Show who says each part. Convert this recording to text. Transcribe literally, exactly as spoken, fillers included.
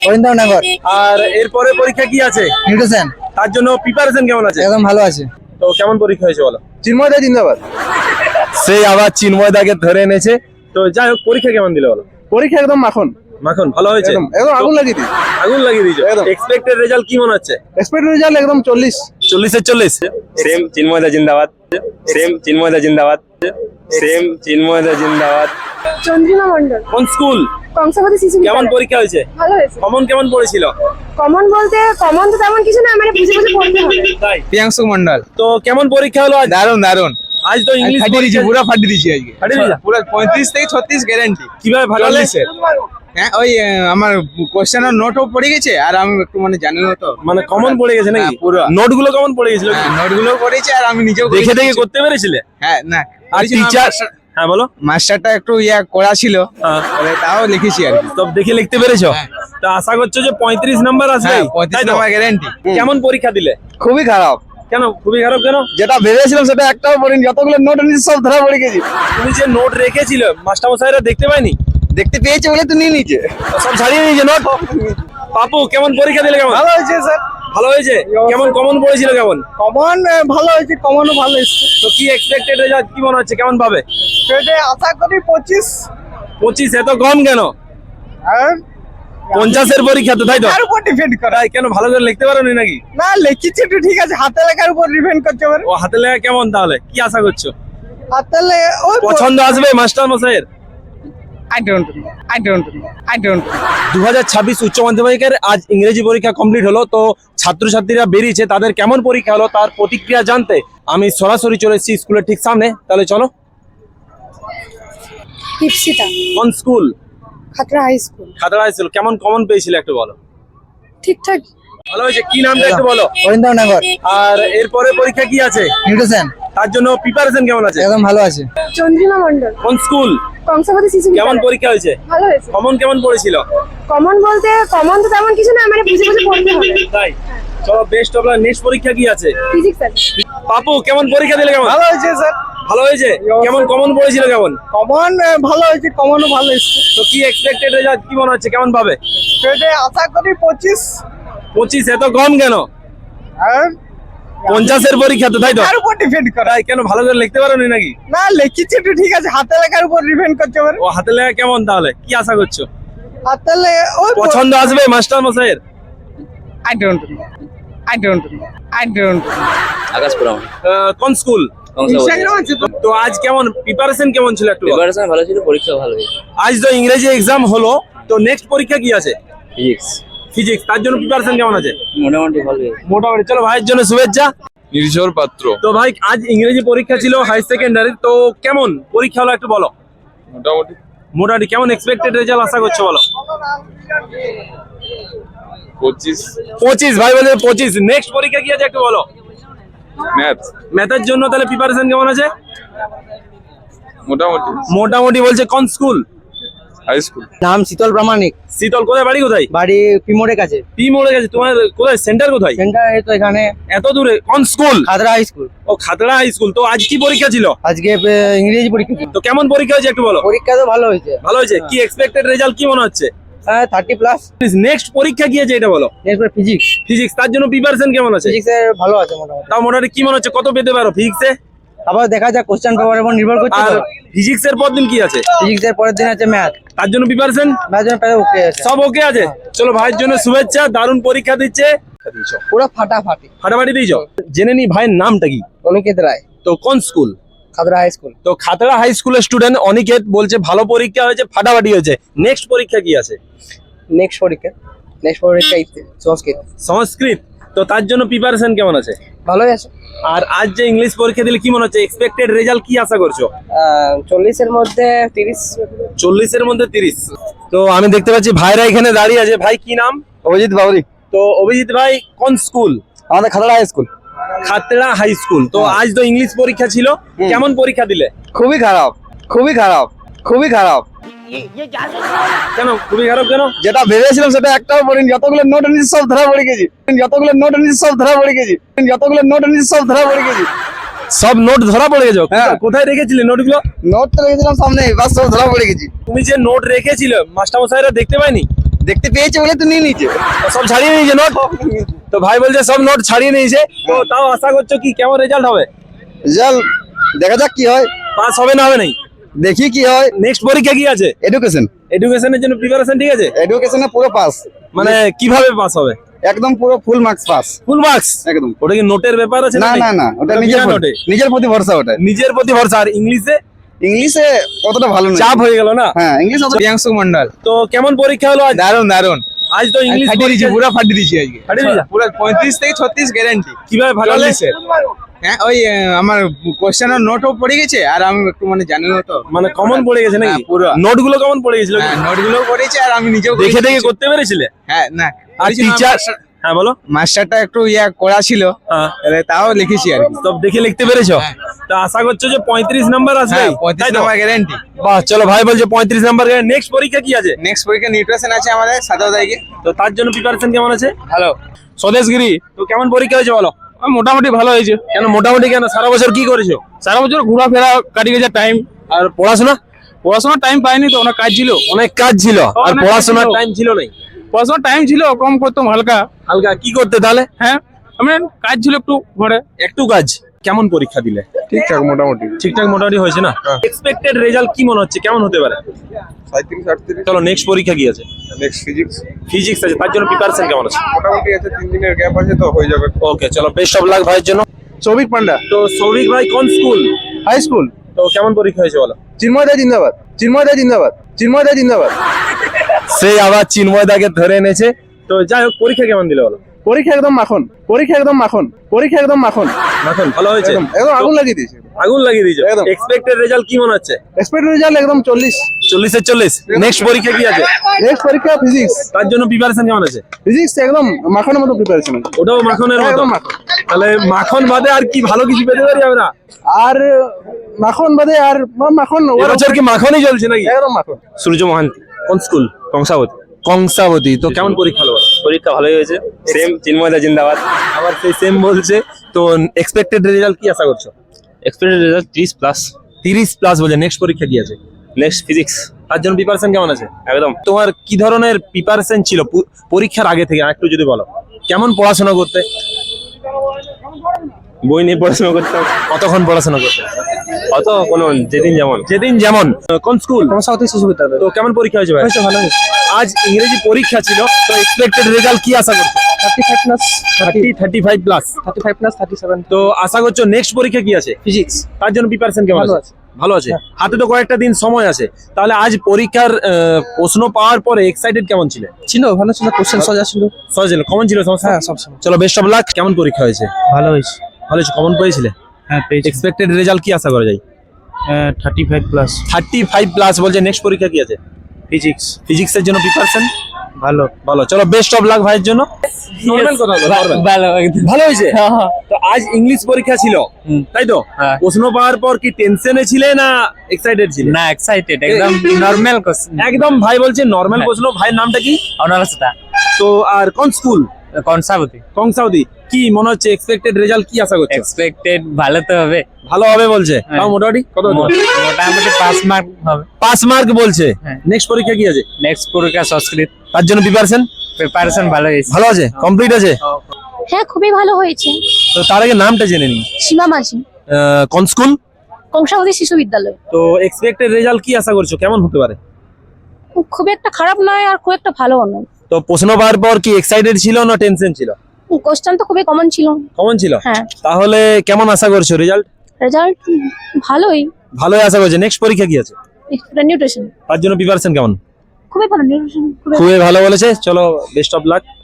Speaker 1: অরিন্দমনগর।
Speaker 2: আর এরপরে পরীক্ষা কি আছে?
Speaker 1: নিউট্রিশন।
Speaker 2: তার জন্য প্রিপারেশন কেমন আছে?
Speaker 1: একদম ভালো আছে।
Speaker 2: তো কেমন পরীক্ষা হয়েছে বলো?
Speaker 1: চিন্ময়দা জিন্দাবাদ।
Speaker 2: সেই আবার চিন্ময়দাকে ধরে এনেছে। তো যাই হোক, পরীক্ষা কেমন দিলে বলো?
Speaker 1: পরীক্ষা একদম মাখন,
Speaker 2: মাখন ভালো হয়েছে?
Speaker 1: একদম একদম আগুন লাগিয়ে দিই।
Speaker 2: আগুন লাগিয়ে দিয়েছো।
Speaker 1: একদম।
Speaker 2: এক্সপেক্টেড রেজাল্ট কি মনে হচ্ছে?
Speaker 1: এক্সপেক্ট রেজাল্ট একদম চল্লিশ।
Speaker 2: চল্লিশের চল্লিশ।
Speaker 3: সেম চিন্ময়দা জিন্দাবাদ, সেম চিন্ময়দা জিন্দাবাদ, সেম চিন্ময়দা জিন্দাবাদ।
Speaker 4: চন্দ্রিমা মন্ডল,
Speaker 2: কোন স্কুল?
Speaker 4: কংসাবতী শিশু
Speaker 2: কেমন
Speaker 4: বিদ্যালয়।
Speaker 2: পরীক্ষা হয়েছে?
Speaker 4: ভালো হয়েছে।
Speaker 2: কমন কেমন পড়েছিল?
Speaker 4: কমন বলতে কমন তো তেমন কিছু না, মানে বুঝে বুঝে পড়তে হবে।
Speaker 2: তাই?
Speaker 1: প্রিয়াংশু মন্ডল।
Speaker 2: তো কেমন পরীক্ষা হলো আজ?
Speaker 1: দারুন দারুন।
Speaker 2: আজ তো ইংলিশ
Speaker 1: ফাটিয়ে দিয়েছি, পুরো ফাটিয়ে দিয়েছি আজকে।
Speaker 2: ফাটিয়ে দিয়েছো?
Speaker 1: পুরো পঁয়ত্রিশ থেকে ছত্রিশ গ্যারান্টি।
Speaker 2: কিভাবে ভালো হলে?
Speaker 1: চল্লিশের। হ্যাঁ, ওই আহ, আমার কোশ্চেনের নোটও পড়ে গেছে, আর আমি একটু মানে জানি না তো,
Speaker 2: মানে কমন পড়ে গেছে নাকি?
Speaker 1: হ্যাঁ, পুরো।
Speaker 2: নোট গুলো কমন পড়ে গেছিল?
Speaker 1: নোটগুলো পড়েছে, আর আমি নিজেও
Speaker 2: দেখে
Speaker 1: করেছি
Speaker 2: দেখে
Speaker 1: কিছু।
Speaker 2: করতে পেরেছিলে?
Speaker 1: হ্যাঁ, না
Speaker 2: আর
Speaker 1: করেছি না,
Speaker 2: টিচার?
Speaker 1: মাস্টার-
Speaker 2: হ্যাঁ বলো।
Speaker 1: মাস্টারটা একটু ইয়া করা ছিল,
Speaker 2: হ্যাঁ।
Speaker 1: বলে তাও লিখেছি আর কি।
Speaker 2: সব দেখে লিখতে পেরেছো?
Speaker 1: হ্যাঁ।
Speaker 2: তা আশা করছো যে পঁয়ত্রিশ নাম্বার আসবে?
Speaker 1: হ্যাঁ, পঁয়ত্রিশ নাম্বার গ্যারান্টি।
Speaker 2: কেমন পরীক্ষা দিলে?
Speaker 1: খুবই খারাপ।
Speaker 2: কেন খুবই খারাপ কেন?
Speaker 1: যেটা ভেবেছিলাম সেটা একটাও পড়িনি, যতগুলো নোট এনেছি সব ধরা পড়ে গেছি।
Speaker 2: তুমি যে নোট রেখেছিল মাস্টারমশাইরা দেখতে পাইনি?
Speaker 1: দেখতে পেয়েছে বলে তো নিয়ে নিচে।
Speaker 2: সব ছাড়িয়ে নিয়েছে নোট। পাপু কেমন পরীক্ষা দিলে? কেমন
Speaker 1: ভালো হয়েছে স্যার।
Speaker 2: ভালো হয়েছে? কেমন কমন পড়েছিল? কেমন
Speaker 1: কমন ভালো হয়েছে, কমনও ভালো এসছে।
Speaker 2: তো কি এক্সপেক্টেড রেজাল্ট কি মনে হচ্ছে? কেমন পাবে?
Speaker 1: সেটা আশা করি পঁচিশ।
Speaker 2: পঁচিশ এত কম কেন?
Speaker 1: আর
Speaker 2: পঞ্চাশের পরীক্ষা তো, তাই তো?
Speaker 1: তার উপর ডিপেন্ড করে।
Speaker 2: তাই কেন ভালো করে লিখতে পারোনি নাকি?
Speaker 1: না, লিখেছি একটু ঠিক আছে, হাতে লেখার উপর ডিপেন্ড করতে পারে।
Speaker 2: ও হাতে লেখা কেমন? তাহলে কি আশা করছো?
Speaker 1: হাতে লে- ওই
Speaker 2: পছন্দ আসবে মাস্টার মশাইয়ের?
Speaker 1: I don't know, I don't know, I don't know.
Speaker 2: দু হাজার ছাব্বিশ উচ্চ মাধ্যমিকের আজ ইংরেজি পরীক্ষা কমপ্লিট হলো। তো ছাত্রছাত্রীরা বেরিয়েছে, তাদের কেমন পরীক্ষা হলো তার প্রতিক্রিয়া জানতে আমি সরাসরি চলে এসেছি স্কুলের ঠিক সামনে। তাহলে চলো।
Speaker 4: দীপশিতা,
Speaker 2: কোন school?
Speaker 4: Khatra high school.
Speaker 2: Khatra high school. কেমন কমন পেয়েছিল একটু বলো?
Speaker 4: ঠিকঠাক।
Speaker 2: ভালো হয়েছে। কি নামটা একটু বলো?
Speaker 1: অরিন্দমনগর।
Speaker 2: আর এরপরে পরীক্ষা কি আছে?
Speaker 1: নিউট্রিশন।
Speaker 2: তার জন্য প্রিপারেশন কেমন আছে?
Speaker 1: একদম ভালো আছে।
Speaker 4: চন্দ্রিমা মন্ডল,
Speaker 2: কোন স্কুল?
Speaker 4: কংসাবতী শিশু
Speaker 2: কেমন
Speaker 4: বিদ্যালয়।
Speaker 2: পরীক্ষা হয়েছে?
Speaker 4: ভালো হয়েছে।
Speaker 2: কমন কেমন পড়েছিল?
Speaker 4: কমন বলতে কমন তো তেমন কিছু না, মানে বুঝে বুঝে পড়তে হবে।
Speaker 2: তাই? চলো, বেস্ট অফ লাক। নেক্সট পরীক্ষা কি আছে?
Speaker 4: ফিজিক্স আছে।
Speaker 2: পাপু কেমন পরীক্ষা দিলে? কেমন
Speaker 1: ভালো হয়েছে স্যার।
Speaker 2: ভালো হয়েছে? কেমন কমন পড়েছিল? কেমন
Speaker 1: কমন ভালো হয়েছে, কমনও ভালো এসছে।
Speaker 2: তো কি এক্সপেক্টেড রেজাল্ট কি মনে হচ্ছে? কেমন পাবে?
Speaker 1: সেটা আশা করি পঁচিশ।
Speaker 2: পঁচিশ এত কম কেন?
Speaker 1: আর
Speaker 2: পঞ্চাশের পরীক্ষা তো, তাই তো?
Speaker 1: তার উপর ডিপেন্ড করে।
Speaker 2: তাই কেন ভালো করে লিখতে পারোনি নাকি?
Speaker 1: না, লিখেছি একটু ঠিক আছে, হাতে লেখার উপর ডিপেন্ড করতে পারে।
Speaker 2: ও হাতে লেখা কেমন? তাহলে কি আশা করছো?
Speaker 1: হাতে লে- ওই
Speaker 2: পছন্দ আসবে মাস্টার মশাইয়ের?
Speaker 1: I don't know, I don't know, I don't know.
Speaker 3: Akashpuram
Speaker 2: আহ, কোন স্কুল?
Speaker 1: ইনস্টাগ্রাম আছে তো?
Speaker 2: তো আজ কেমন প্রিপারেশন কেমন ছিল একটু বলো?
Speaker 3: প্রিপারেশন ভালো ছিল, পরীক্ষা ভালো হয়েছে।
Speaker 2: আজ তো ইংরেজি এক্সাম হলো, তো নেক্সট পরীক্ষা কি আছে?
Speaker 3: Physics
Speaker 2: physics. তার জন্য প্রিপারেশন কেমন আছে?
Speaker 3: মোটামুটি ভালো হয়েছে।
Speaker 2: মোটামুটি। চলো, ভাইয়ের জন্য শুভেচ্ছা।
Speaker 5: নির্ঝর পাত্র।
Speaker 2: তো ভাই আজ ইংরেজি পরীক্ষা ছিল হাই সেকেন্ডারি, তো কেমন পরীক্ষা হলো একটু বলো?
Speaker 5: মোটামুটি
Speaker 2: মোটামুটি। কেমন এক্সপেক্টেড রেজাল্ট আশা করছো বলো?
Speaker 5: পঁচিশ।
Speaker 2: পঁচিশ। ভাই বলে পঁচিশ। নেক্সট পরীক্ষা কি আছে একটু বলো?
Speaker 5: ম্যাথ
Speaker 2: ম্যাথের জন্য তাহলে প্রিপারেশন কেমন আছে?
Speaker 5: মোটামুটি।
Speaker 2: মোটামুটি বলছে। কোন স্কুল?
Speaker 5: High school.
Speaker 1: নাম শীতল প্রামাণিক,
Speaker 2: শীতল। কোথায় বাড়ি? কোথায়?
Speaker 1: বাড়ি পিমোড়ের কাছে।
Speaker 2: পি মোড়ে গেছে। তোমার কোথায় সেন্টার? কোথায়?
Speaker 1: সেন্টার এই তো এখানে,
Speaker 2: এত দূরে? কোন স্কুল?
Speaker 1: Khatra high school.
Speaker 2: ও খাতড়া হাই স্কুল। তো আজ কি পরীক্ষা ছিল?
Speaker 1: আজকে আহ, ইংরেজি পরীক্ষা ছিল।
Speaker 2: তো কেমন পরীক্ষা হয়েছে একটু বলো?
Speaker 1: পরীক্ষা তো ভালো হয়েছে,
Speaker 2: ভালো হয়েছে। কি এক্সপেক্টেড রেজাল্ট কি মনে হচ্ছে?
Speaker 1: হ্যাঁ থার্টি প্লাস।
Speaker 2: নেক্সট পরীক্ষা কি আছে এটা বলো?
Speaker 1: এরপর ফিজিক্স।
Speaker 2: ফিজিক্স। তার জন্য প্রিপারেশন কেমন আছে?
Speaker 1: ফিজিক্স এর ভালো আছে মোটামুটি।
Speaker 2: তাও মোটামুটি কি মনে হচ্ছে কত পেতে পারো ফিজিক্সে?
Speaker 1: আবার দেখা যাক, কোশ্চেন পেপারের উপর নির্ভর করছে
Speaker 2: আর
Speaker 1: তো।
Speaker 2: ফিজিক্স এর পর দিন কি আছে?
Speaker 1: ফিজিক্স এর পরের দিন আছে ম্যাথ।
Speaker 2: তার জন্য প্রিপারেশন
Speaker 1: ম্যাথ জন্য প্রায় ওকে আছে।
Speaker 2: সব ওকে আছে। চলো, ভাইয়ের জন্য শুভেচ্ছা। দারুণ পরীক্ষা দিচ্ছে।
Speaker 1: পুরো ফাটাফাটি।
Speaker 2: ফাটাফাটি দিয়েছো। জেনে নি ভাইয়ের নামটা কি?
Speaker 1: অনিকেত রায়,
Speaker 2: তো কোন স্কুল?
Speaker 1: Khatra high school.
Speaker 2: তো খাতড়া হাই স্কুলের স্টুডেন্ট অনিকেত বলছে ভালো পরীক্ষা হয়েছে, ফাটাফাটি হয়েছে। নেক্সট পরীক্ষা কি আছে?
Speaker 1: নেক্সট পরীক্ষা নেক্সট পরীক্ষা ইতি- সংস্কৃত।
Speaker 2: সংস্কৃত। তো তার জন্য প্রিপারেশন কেমন আছে?
Speaker 1: ভালোই আছে।
Speaker 2: আর আজ যে ইংলিশ পরীক্ষা দিলে কি মনে হচ্ছে? এক্সপেক্টেড রেজাল্ট কি আশা করছো?
Speaker 1: আহ, চল্লিশের মধ্যে তিরিশ।
Speaker 2: চল্লিশের মধ্যে তিরিশ। তো আমি দেখতে পাচ্ছি ভাইরা এখানে দাঁড়িয়ে আছে। ভাই কি নাম?
Speaker 1: অভিজিৎ বাবরি।
Speaker 2: তো অভিজিৎ ভাই কোন স্কুল?
Speaker 1: আমাদের Khatra high school.
Speaker 2: Khatra high school. তো আজ তো ইংলিশ পরীক্ষা ছিল, কেমন পরীক্ষা দিলে?
Speaker 1: খুবই খারাপ, খুবই খারাপ, খুবই খারাপ।
Speaker 2: কেন খুবই খারাপ কেন?
Speaker 1: যেটা ভেবেছিলাম সেটা একটাও পড়িনি, যতগুলো নোট এনেছি সব ধরা পড়ে গেছি, যতগুলো নোট এনেছি সব ধরা পড়ে গেছি, যতগুলো নোট এনেছি সব ধরা পড়ে গেছি।
Speaker 2: সব নোট ধরা পড়ে গেছো?
Speaker 1: হ্যাঁ।
Speaker 2: কোথায় রেখেছিলে নোটগুলো?
Speaker 1: নোট তো রেখেছিলাম সামনে, বাস সব ধরা পড়ে গেছি।
Speaker 2: তুমি যে নোট রেখেছিলে মাস্টারমশাইরা দেখতে পাইনি?
Speaker 1: দেখতে পেয়েছে বলে তো নিয়ে নিয়েছে।
Speaker 2: সব ছাড়িয়ে নিয়েছে নোট, তো ভাই বলছে সব নোট ছাড়িয়ে নিয়েছে, তো তাও আশা করছো কি কেমন রেজাল্ট হবে?
Speaker 1: রেজাল্ট দেখা যাক কি হয়,
Speaker 2: পাস হবে না হবে নাই?
Speaker 1: দেখি কি হয়।
Speaker 2: নেক্সট পরীক্ষা কি আছে?
Speaker 1: এডুকেশন,
Speaker 2: এডুকেশনের জন্য প্রিপারেশন ঠিক আছে?
Speaker 1: এডুকেশনে পুরো পাস,
Speaker 2: মানে কিভাবে পাস হবে?
Speaker 1: একদম পুরো full marks pass,
Speaker 2: full marks?
Speaker 1: একদম।
Speaker 2: ওটা কি নোটের ব্যাপার আছে?
Speaker 1: না না না, ওটা নিজের
Speaker 2: বিনা
Speaker 1: প্রতি-
Speaker 2: নোটে?
Speaker 1: নিজের প্রতি ভরসা ওটা।
Speaker 2: নিজের প্রতি ভরসা। আর ইংলিশে?
Speaker 1: ইংলিশে অতটা ভালো না,
Speaker 2: চাপ হয়ে গেল না?
Speaker 1: হ্যাঁ ইংলিশ অত
Speaker 6: প্রিয়াংশু মন্ডল।
Speaker 2: তো কেমন পরীক্ষা হলো আজ?
Speaker 6: দারুন দারুন,
Speaker 2: আজ তো ইংলিশ
Speaker 6: ফাটিয়ে দিয়েছি,
Speaker 2: পরীক্ষা-
Speaker 6: পুরো ফাটিয়ে দিয়েছি আজকে।
Speaker 2: ফাটিয়ে দিয়েছো?
Speaker 6: পুরো পঁয়ত্রিশ থেকে ছত্রিশ গ্যারান্টি।
Speaker 2: কিভাবে ভালো হলে?
Speaker 6: চল্লিশের। হ্যাঁ ওই আহ, আমার কোশ্চেনের নোটও পড়ে গেছে, আর আমি একটু মানে জানি না তো,
Speaker 2: মানে কমন পড়ে গেছে নাকি?
Speaker 6: হ্যাঁ, পুরো।
Speaker 2: নোট গুলো কমন পড়ে গেছিল কি?
Speaker 6: হ্যাঁ নোটগুলোও পড়েছি, আর আমি নিজেও
Speaker 2: দেখে
Speaker 6: করেছি
Speaker 2: দেখে
Speaker 6: কিছু।
Speaker 2: করতে পেরেছিলে?
Speaker 6: হ্যাঁ না,
Speaker 2: আর
Speaker 6: করেছি না,
Speaker 2: টিচার?
Speaker 6: মাস্টার-
Speaker 2: হ্যাঁ বলো।
Speaker 6: মাস্টারটা একটু ইয়া করা ছিল,
Speaker 2: হ্যাঁ,
Speaker 6: তাহলে তাও লিখেছি আর কি।
Speaker 2: সব দেখে লিখতে পেরেছো? তা আশা করছো যে পঁয়ত্রিশ নাম্বার আসবে?
Speaker 6: হ্যাঁ পঁয়ত্রিশ
Speaker 2: তাই তো?
Speaker 6: Number guarantee.
Speaker 2: বাহ, চলো ভাই বলছে পঁয়ত্রিশ নাম্বার। নেক্সট পরীক্ষা কি আছে?
Speaker 6: নেক্সট পরীক্ষা নিউট্রিশন আছে আমাদের সতেরো তারিখে।
Speaker 2: তো তার জন্য প্রিপারেশন কেমন আছে?
Speaker 6: ভালো।
Speaker 2: স্বদেশগিরি, তো কেমন পরীক্ষা হয়েছে বলো?
Speaker 6: মোটামুটি ভালো হয়েছে।
Speaker 2: কেন মোটামুটি কেন? সারা বছর কি করেছো?
Speaker 6: সারা বছর ঘোরাফেরা কাটিয়ে গেছে টাইম,
Speaker 2: আর পড়াশোনা?
Speaker 6: পড়াশোনার টাইম পাইনি তো, অনেক কাজ ছিল।
Speaker 2: অনেক কাজ ছিল আর
Speaker 6: অনেক
Speaker 2: পড়াশোনার
Speaker 6: কাজ ছিল।
Speaker 2: টাইম ছিল নাই?
Speaker 6: পড়াশোনার টাইম ছিল, কম করতাম হালকা।
Speaker 2: হালকা কি করতে তাহলে?
Speaker 6: হ্যাঁ আমি কাজ ছিল একটু ঘরে।
Speaker 2: একটু কাজ। কেমন পরীক্ষা দিলে?
Speaker 5: ঠিকঠাক মোটামুটি
Speaker 2: ঠিকঠাক মোটামুটি হয়েছে না? এক্সপেক্টেড রেজাল্ট কি মনে হচ্ছে, কেমন হতে পারে?
Speaker 5: সাঁত্রিশ আটত্রিশ।
Speaker 2: চলো নেক্সট পরীক্ষা কি আছে?
Speaker 5: নেক্সট ফিজিক্স
Speaker 2: ফিজিক্স আছে, তার জন্য প্রিপারেশন কেমন আছে?
Speaker 5: মোটামুটি আছে, তিন দিনের গ্যাপ আছে তো হয়ে যাবে।
Speaker 2: ওকে, চলো বেস্ট অফ লাক ভাইয়ের জন্য।
Speaker 1: সৌভিক পান্ডা,
Speaker 2: তো সৌভিক ভাই কোন স্কুল?
Speaker 1: High school.
Speaker 2: তো কেমন পরীক্ষা হয়েছে বলো?
Speaker 1: চিন্ময়দা জিন্দাবাদ, চিন্ময়দা জিন্দাবাদ, চিন্ময়দা জিন্দাবাদ।
Speaker 2: সেই আবার চিন্ময়দাকে ধরে এনেছে। তো যাই হোক, পরীক্ষা কেমন দিলে বলো?
Speaker 1: পরীক্ষা একদম মাখন, পরীক্ষা একদম মাখন, পরীক্ষা একদম মাখন,
Speaker 2: এখন ভালো হয়েছে?
Speaker 1: একদম একদম আগুন লাগিয়ে দিয়েছে।
Speaker 2: আগুন লাগিয়ে দিয়েছো?
Speaker 1: একদম।
Speaker 2: এক্সপেক্টেড রেজাল্ট কি মনে হচ্ছে?
Speaker 1: এক্সপেক্টেড রেজাল্ট একদম চল্লিশ।
Speaker 2: চল্লিশের চল্লিশ। নেক্সট পরীক্ষা কি আছে?
Speaker 1: নেক্সট পরীক্ষা ফিজিক্স,
Speaker 2: তার জন্য প্রিপারেশন কেমন আছে?
Speaker 1: ফিজিক্স একদম মাখনের মতো প্রিপারেশন আছে।
Speaker 2: ওটাও মাখনের মতো?
Speaker 1: একদম মাখন।
Speaker 2: তাহলে মাখন বাদে আর কি ভালো কিছু পেতে পারি আমরা?
Speaker 1: আর মাখন বাদে আর মাখন,
Speaker 2: এবছর কি মাখনই চলছে নাকি?
Speaker 1: একদম মাখন।
Speaker 3: সূর্য মহান্তি,
Speaker 2: কোন স্কুল?
Speaker 3: কংসাবতী।
Speaker 2: কংসাবতী। তো কেমন পরীক্ষা হলো?
Speaker 3: পরীক্ষা ভালোই হয়েছে, সেম চিন্ময়দা জিন্দাবাদ।
Speaker 2: আবার সেই সেম বলছে। তো এক্সপেক্টেড রেজাল্ট কি আশা করছো?
Speaker 3: এক্সপেক্টেড রেজাল্ট ত্রিশ প্লাস।
Speaker 2: তিরিশ প্লাস বলছে। নেক্সট পরীক্ষা কি আছে?
Speaker 3: Next physics.
Speaker 2: তার জন্য প্রিপারেশন কেমন আছে?
Speaker 3: একদম।
Speaker 2: তোমার কি ধরনের প্রিপারেশন ছিল পু- পরীক্ষার আগে থেকে একটু যদি বলো? কেমন পড়াশোনা করতে?
Speaker 3: বই নিয়ে পড়াশোনা করতাম।
Speaker 2: কতক্ষণ পড়াশোনা করতে?
Speaker 3: অত কোনো যেদিন যেমন।
Speaker 2: যেদিন যেমন। কোন স্কুল?
Speaker 1: কংসাবতী শিশু বিদ্যালয়।
Speaker 2: তো কেমন পরীক্ষা হয়েছে ভাই?
Speaker 1: ভালো হয়েছে।
Speaker 2: আজ ইংরেজি পরীক্ষা ছিল, তো এক্সপেক্টেড রেজাল্ট কি আশা করছো?
Speaker 1: Thirty five plus,
Speaker 2: thirty thirty five plus.
Speaker 1: Thirty five plus thirty seven.
Speaker 2: তো আশা করছো নেক্সট পরীক্ষা কি আছে?
Speaker 1: ফিজিক্স
Speaker 2: তার জন্য প্রিপারেশন কেমন
Speaker 1: ভালো
Speaker 2: আছে? ভালো আছে। হাতে তো কয়েকটা দিন সময় আছে। তাহলে আজ পরীক্ষার আহ, প্রশ্ন পাওয়ার পরে এক্সাইটেড কেমন ছিলে?
Speaker 1: ছিল, ভালো ছিল, কোশ্চেন সোজা ছিল।
Speaker 2: সহজ ছিল? কমন ছিল সমস্যা?
Speaker 1: হ্যাঁ সব সময়
Speaker 2: চলো বেস্ট অফ লাক। কেমন পরীক্ষা হয়েছে?
Speaker 1: ভালো হয়েছে।
Speaker 2: ভালো হয়েছে। কমন পেয়েছিলে?
Speaker 1: হ্যাঁ পেয়েছি,
Speaker 2: এক্সপেক্টেড রেজাল্ট কি আশা করা যায়?
Speaker 1: Thirty five plus.
Speaker 2: Thirty five plus বলছে। নেক্সট পরীক্ষা কি আছে?
Speaker 1: ফিজিক্স
Speaker 2: ফিজিক্সের জন্য প্রিপারেশন
Speaker 1: ভালো।
Speaker 2: ভালো। চলো বেস্ট অফ লাক ভাইয়ের জন্য। নরমাল কথা বলো, normal।
Speaker 1: ভালো
Speaker 2: ভালো হয়েছে। তো আজ ইংলিশ পরীক্ষা ছিল, তাই তো?
Speaker 1: হ্যাঁ।
Speaker 2: প্রশ্ন পাওয়ার পর কি টেনশনে ছিলে না এক্সাইটেড ছিলে?
Speaker 1: না এক্সাইটেড, একদম নরমাল কোশ্চেন।
Speaker 2: একদম। ভাই বলছে নরমাল প্রশ্ন। ভাইয়ের নামটা কি?
Speaker 1: অনারসতা।
Speaker 2: তো আর কোন স্কুল?
Speaker 1: কংসাবতী।
Speaker 2: কংসাবতী। কি মনে হচ্ছে এক্সপেক্টেড রেজাল্ট কি আশা করছো?
Speaker 1: এক্সপেক্টেড ভালো তো হবে,
Speaker 2: ভালো হবে বলছে।
Speaker 1: হ্যাঁ।
Speaker 2: তাও মোটামুটি কত?
Speaker 1: মোটামুটি পাঁচ মার্ক হবে।
Speaker 2: পাঁচ মার্ক বলছে।
Speaker 1: হ্যাঁ।
Speaker 2: নেক্সট পরীক্ষা কি আছে?
Speaker 1: নেক্সট পরীক্ষা সংস্কৃত,
Speaker 2: তার জন্য প্রিপারেশন
Speaker 1: প্রিপারেশন ভালো হয়েছে।
Speaker 2: ভালো আছে, কমপ্লিট আছে।
Speaker 4: হ্যাঁ খুবই ভালো হয়েছে।
Speaker 2: তো তার আগে নামটা জেনে নিই।
Speaker 4: সীমা মাঝি,
Speaker 2: আহ, কোন স্কুল?
Speaker 4: কংসাবতী শিশু বিদ্যালয়।
Speaker 2: তো এক্সপেক্টেড রেজাল্ট কি আশা করছো, কেমন হতে পারে?
Speaker 4: খুব একটা খারাপ নয় আর খুব একটা ভালো নয়।
Speaker 2: তো প্রশ্ন পাওয়ার পর কি এক্সাইটেড ছিল না টেনশন ছিল?
Speaker 4: কোশ্চেন তো খুবই কমন ছিল।
Speaker 2: কমন ছিল?
Speaker 4: হ্যাঁ।
Speaker 2: তাহলে কেমন আশা করছো রেজাল্ট?
Speaker 4: রেজাল্ট ভালোই।
Speaker 2: ভালোই আশা করছো। নেক্সট পরীক্ষা কি আছে?
Speaker 4: নিউট্রিশন
Speaker 2: তার জন্য প্রিপারেশন কেমন?
Speaker 4: খুবই ভালো। নিউট্রিশন খুবই
Speaker 2: খুবই ভালো বলেছে। চলো বেস্ট অফ লাক।